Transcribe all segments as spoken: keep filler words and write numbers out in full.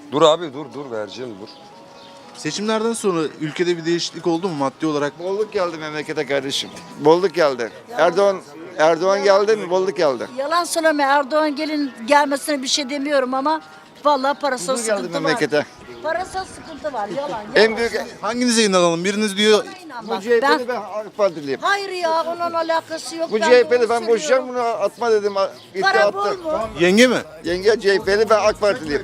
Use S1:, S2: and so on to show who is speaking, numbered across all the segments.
S1: Dur abi dur dur vereceğim dur.
S2: Seçimlerden sonra ülkede bir değişiklik oldu mu maddi olarak?
S3: Bolluk geldi memlekete kardeşim. Bolluk geldi. Erdoğan Erdoğan geldi mi? Bolluk geldi.
S4: Yalan söyleme, Erdoğan gelin gelmesine bir şey demiyorum ama vallahi parasal
S3: Huzur geldi
S4: sıkıntı var.
S3: memlekete.
S4: Parasal sıkıntı var, yalan. yalan.
S3: En büyük
S2: Hanginize inanalım? Biriniz diyor
S4: Bana inan
S3: bu
S4: bak,
S3: C H P'li
S4: ben,
S3: ben AK Partiliyim.
S4: hayır ya, onun alakası yok.
S3: Bu
S4: Ben
S3: C H P'li
S4: doğru
S3: ben boşayacağım
S4: söylüyorum.
S3: bunu atma dedim. İddia
S4: Para
S3: attı.
S4: bol mu?
S2: yenge mi?
S3: Yenge C H P'li ben AK Partiliyim.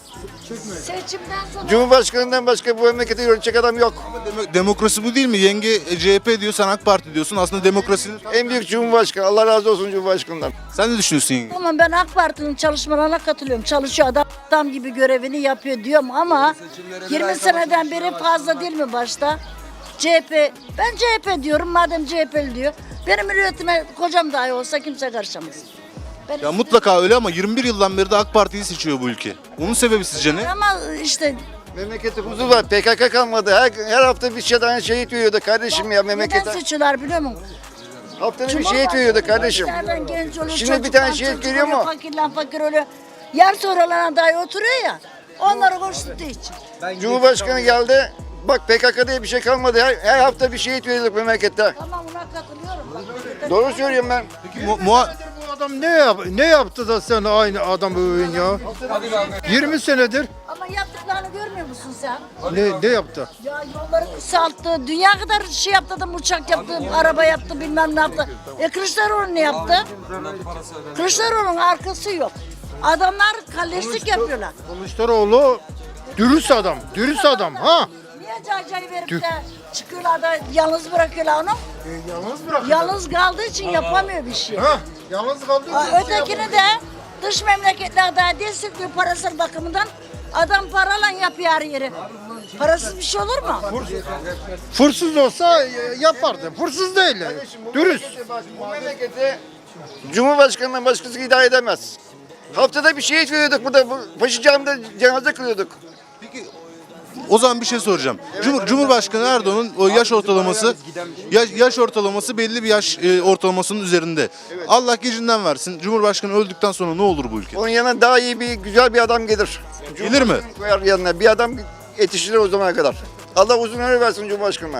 S4: Seçimden sonra
S3: Cumhurbaşkanından başka bu memleketi yönetecek adam yok.
S2: Demo- demokrasi bu değil mi? Yenge e, C H P diyor, sen AK Parti diyorsun. Aslında demokrasinin...
S3: En büyük Cumhurbaşkanı. Allah razı olsun Cumhurbaşkanından.
S2: Sen ne düşünüyorsun yenge?
S4: tamam, ben AK Parti'nin çalışmalarına katılıyorum. Çalışıyor adam, adam gibi görevini yapıyor diyorum ama yirmi seneden beri fazla değil mi başta? C H P, ben C H P diyorum madem C H P'li diyor. Benim hürriyetime kocam dahi olsa kimse karışamaz. Ben
S2: Ya mutlaka öyle ama yirmi bir yıldan beri de AK Parti'yi seçiyor bu ülke. Bunun sebebi sizce ne?
S4: ama işte
S3: Memlekette huzur var. P K K kalmadı. Her, her hafta bir şeyden şehit veriyordu kardeşim ya
S4: neden
S3: memlekete.
S4: seçiyorlar biliyor musun?
S3: Haftada bir şehit veriyordu kardeşim.
S4: Nereden genç olur,
S3: Şimdi bir
S4: çocuklar
S3: tane şehit
S4: çocuk
S3: geliyor
S4: oluyor,
S3: mu?
S4: Fakirlen fakir oluyor. Yer sonralarına dahi oturuyor ya. Onları konuştuğu için.
S3: Cumhurbaşkanı geldi. Bak P K K diye bir şey kalmadı. Her, her hafta bir şehit veriyorduk memlekette.
S4: Tamam, ona katılıyorum. Bak,
S3: Doğru söylüyorum ben.
S2: Peki mu- muha-
S5: Bu adam ne yap ne yaptı da sen aynı adam övün ya? yirmi senedir
S4: Ama yaptıklarını görmüyor musun sen?
S5: ne ne yaptı?
S4: Ya yolları kısalttı, dünya kadar şey yaptı adam, uçak yaptı, araba yaptı, bilmem ne yaptı. E Kılıçdaroğlu ne yaptı? Kılıçdaroğlu'nun arkası yok. Adamlar kalleşlik yapıyorlar.
S5: Kılıçdaroğlu dürüst adam, dürüst adam ha.
S4: Niye caycayı verip de çıkıyorlar da yalnız bırakıyorlar onu?
S5: Yalnız bırak.
S4: Yalnız kaldığı için yapamıyor bir şey.
S5: Ha, yalnız kaldı.
S4: Aa, Ötekini de dış memleketlerde destekliyor parasal bakımından. Adam parayla yapıyor her yeri. Parasız bir şey olur mu?
S5: Fırsız olsa e, yapardı. Fırsız değil. Dürüst.
S3: Bu memleketi Cumhurbaşkanından başkası idare edemez. Haftada bir şehit veriyorduk burada. Bu Paşa Camii'de cenaze kılıyorduk.
S2: Peki o zaman bir şey soracağım. Cumhur, Cumhurbaşkanı Erdoğan'ın o yaş ortalaması yaş, yaş ortalaması belli bir yaş e, ortalamasının üzerinde. Allah gecinden versin. Cumhurbaşkanı öldükten sonra ne olur bu ülke?
S3: Onun yanına daha iyi bir güzel bir adam gelir.
S2: Gelir mi?
S3: Koyar yanına. Bir adam yetiştirir o zamana kadar. Allah uzun ömür versin Cumhurbaşkanı'na.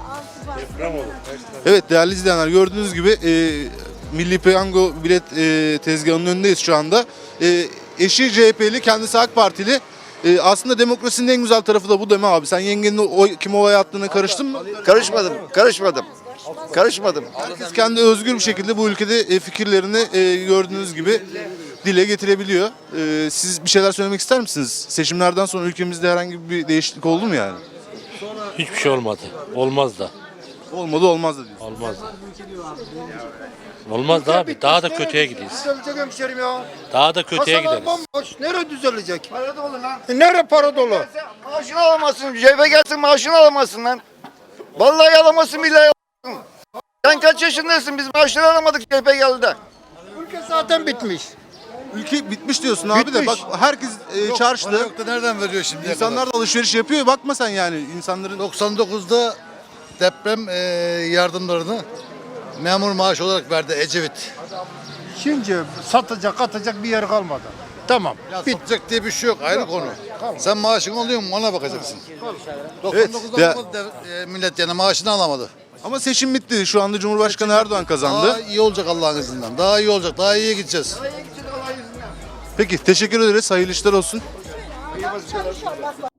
S2: Evet değerli izleyenler, gördüğünüz gibi e, Milli Piyango bilet e, tezgahının önündeyiz şu anda. E, eşi C H P'li, kendisi AK Partili. E, aslında demokrasinin en güzel tarafı da bu değil mi abi? Sen yengenin o, kim oy attığına karıştın mı?
S3: Karışmadım, karışmadım. Karışmadım.
S2: Herkes kendi özgür bir şekilde bu ülkede e, fikirlerini e, gördüğünüz gibi dile getirebiliyor. E, siz bir şeyler söylemek ister misiniz? Seçimlerden sonra ülkemizde herhangi bir değişiklik oldu mu yani?
S6: Hiçbir şey olmadı. Olmaz da.
S2: Olmadı olmaz da diyorsun.
S6: Olmaz da. Olmaz da abi. Daha da kötüye gidiyoruz.
S5: Düzelecek hemşerim ya.
S6: Daha da kötüye
S5: Kasalar
S6: gideriz.
S5: bomboş. Nereye düzelecek?
S3: Para dolu lan.
S5: E, Nere para dolu?
S3: Maaşını alamazsın. Cebe gelsin maaşını alamazsın lan. Vallahi alamazsın billahi alamazsın. Sen kaç yaşındasın? Biz maaşını alamadık C H P geldi de.
S5: Ülke zaten bitmiş.
S2: Ülke bitmiş diyorsun abi de bak
S5: Bitmiş.
S2: herkes e, çarşıda.
S7: Yoktu nereden veriyor şimdi?
S2: İnsanlar da alışveriş yapıyor. Bakma sen yani insanların
S7: doksan dokuzda deprem e, yardımlarını memur maaşı olarak verdi Ecevit.
S5: Şimdi satacak atacak bir yer kalmadı. Tamam.
S7: Ya
S5: Bit.
S7: satacak diye bir şey yok, ayrı konu. Sen maaşın oluyor mu ona bakacaksın.
S2: Evet,
S7: doksan dokuzda
S2: ya-
S7: bu dev- e, millet yani maaşını alamadı.
S2: ama seçim bitti. Şu anda Cumhurbaşkanı Erdoğan kazandı.
S7: Daha iyi olacak Allah'ın izniyle. Daha iyi olacak, daha iyiye gideceğiz.
S2: Peki teşekkür ederiz. Hayırlı işler olsun.
S4: Çalışıyor, bak bak.